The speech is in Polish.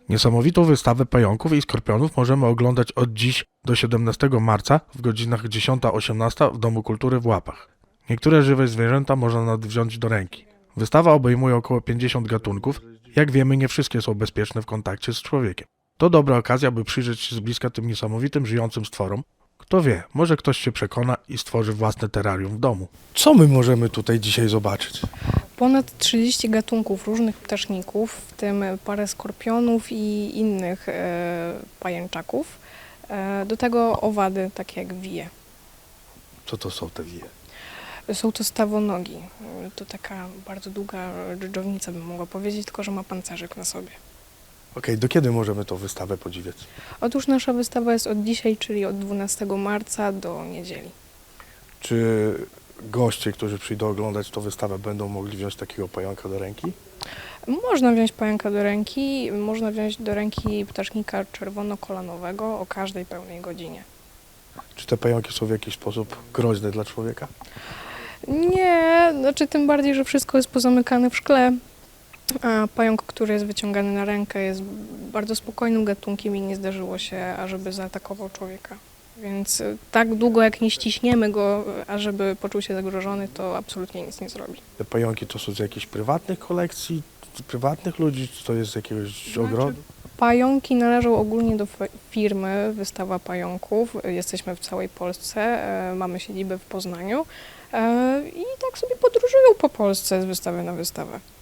Niesamowitą wystawę pająków i skorpionów możemy oglądać od dziś do 17 marca w godzinach 10-18 w Domu Kultury w Łapach. Niektóre żywe zwierzęta można nawet wziąć do ręki. Wystawa obejmuje około 50 gatunków. Jak wiemy, nie wszystkie są bezpieczne w kontakcie z człowiekiem. To dobra okazja, by przyjrzeć się z bliska tym niesamowitym, żyjącym stworom. Kto wie, może ktoś się przekona i stworzy własne terrarium w domu. Co my możemy tutaj dzisiaj zobaczyć? Ponad 30 gatunków różnych ptaszników, w tym parę skorpionów i innych pajęczaków. Do tego owady, takie jak wije. Co to są te wije? Są to stawonogi. To taka bardzo długa dżdżownica, bym mogła powiedzieć, tylko że ma pancerzyk na sobie. Okej, do kiedy możemy tą wystawę podziwiać? Otóż nasza wystawa jest od dzisiaj, czyli od 12 marca do niedzieli. Czy goście, którzy przyjdą oglądać tę wystawę, będą mogli wziąć takiego pająka do ręki? Można wziąć pająka do ręki, można wziąć do ręki ptasznika czerwonokolanowego o każdej pełnej godzinie. Czy te pająki są w jakiś sposób groźne dla człowieka? Nie, znaczy tym bardziej, że wszystko jest pozamykane w szkle. A pająk, który jest wyciągany na rękę, jest bardzo spokojnym gatunkiem i nie zdarzyło się, ażeby zaatakował człowieka. Więc tak długo jak nie ściśniemy go, ażeby poczuł się zagrożony, to absolutnie nic nie zrobi. Te pająki to są z jakichś prywatnych kolekcji, z prywatnych ludzi, czy to jest z jakiegoś ogrodu? Pająki należą ogólnie do firmy Wystawa Pająków. Jesteśmy w całej Polsce, mamy siedzibę w Poznaniu i tak sobie podróżują po Polsce z wystawy na wystawę.